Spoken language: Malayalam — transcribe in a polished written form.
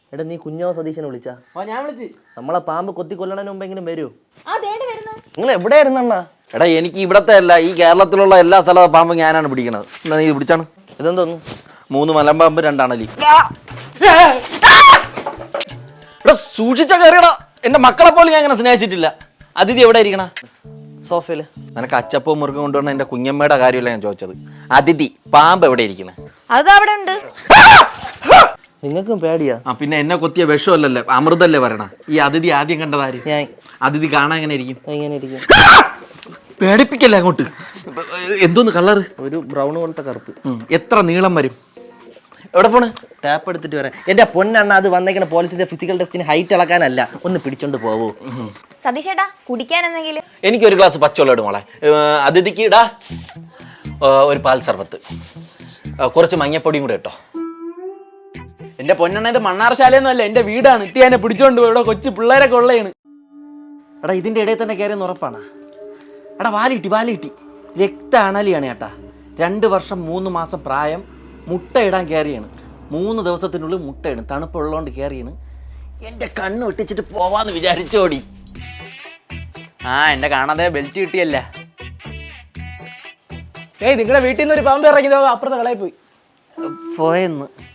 എടാ നീ കുഞ്ഞാവ സതീശനെ വിളിച്ചാ? ഞാൻ വിളിച്ച്. നമ്മളെ പാമ്പ് കൊത്തി കൊല്ലണതിന് മുമ്പെങ്കിലും വരൂ. നിങ്ങൾ എവിടെയായിരുന്നണ്ണ? എടാ എനിക്ക് ഇവിടത്തെ അല്ല, ഈ കേരളത്തിലുള്ള എല്ലാ സ്ഥലവും പാമ്പ് ഞാനാണ് പിടിക്കണത്. എന്നാ നീ പിടിച്ചാണ്? ഇതെന്തോന്നു? 3 മലമ്പാമ്പ് 2 അണലി. എടാ സൂക്ഷിച്ച കയറിയടാ, എന്റെ മക്കളെ പോലും ഞാൻ അങ്ങനെ സ്നേഹിച്ചിട്ടില്ല. അതിഥി എവിടെ ഇരിക്കണ? സോഫയില്. നിനക്ക് അച്ചപ്പവും മുറുക്കും കൊണ്ടുവന്ന എന്റെ കുഞ്ഞമ്മയുടെ കാര്യമല്ല ഞാൻ ചോദിച്ചത്. അതിഥി പാമ്പ് എവിടെ ഇരിക്കണേ? അത് അവിടെ ഉണ്ട്. നിങ്ങൾക്കും പേടിയാ? ആ പിന്നെ എന്നെ കൊത്തിയ വിഷമല്ലല്ലേ, അമൃതല്ലേ പറയണ. ഈ അതിഥി ആദ്യം കണ്ടതാര്? ഞാൻ. അതിഥി കാണാൻ എങ്ങനെ ഇരിക്കും? എങ്ങനെ ഇരിക്കും? പേടിപ്പിക്കല്ലേ അങ്ങോട്ട്. എന്തോന്ന് കളറ്? ഒരു ബ്രൗൺ പോലത്തെ കറുപ്പ്. എത്ര നീളം വരും? എവിടെ പോണ്? ടാപ്പ് എടുത്തിട്ട് വരാം. എന്റെ പൊന്നെണ്ണ, അത് വന്നേക്കണ പോലീസിന്റെ ഫിസിക്കൽ ടെസ്റ്റിന് ഹൈറ്റ് ഇളക്കാനല്ല. ഒന്ന് പിടിച്ചോണ്ട് പോവോ? സതീഷേട്ടാ കുടിക്കാൻ എന്തെങ്കിലും? എനിക്കൊരു ഗ്ലാസ് പച്ചവെള്ളം ഇടും മോളെ. അതിഥിക്ക് ഇടാ ഒരു പാൽ സർബത്ത്, കുറച്ച് മഞ്ഞപ്പൊടിയും കൂടെ ഇട്ടോ. എന്റെ പൊന്നെണ്ണ, ഇത് മണ്ണാർശാലയൊന്നും അല്ല, എന്റെ വീടാണ്. ഇത്തിയാനെ പിടിച്ചോണ്ട് പോയി. ഇവിടെ കൊച്ചു പിള്ളേരൊക്കെ ഉള്ളതാണ്. എടാ ഇതിന്റെ ഇടയിൽ തന്നെ കയറിയെന്ന് ഉറപ്പാണ്. എടാ വാലിട്ടി രക്ത അണലിയാണ് ചേട്ടാ. 2 വർഷം 3 മാസം പ്രായം. മുട്ട ഇടാൻ കയറിയാണ്. 3 ദിവസത്തിനുള്ളിൽ മുട്ടയിടും. തണുപ്പുള്ളതുകൊണ്ട് കയറിയാണ്. എന്റെ കണ്ണ് വെട്ടിച്ചിട്ട് പോവാന്ന് വിചാരിച്ചോടി. എന്റെ കാണാതെ ബെൽറ്റ് കിട്ടിയല്ല. നിങ്ങളുടെ വീട്ടിൽ നിന്ന് ഒരു പാമ്പ് ഇറങ്ങിയതോ അപ്പുറത്തെ കളയിൽ പോയി പോയെന്ന്.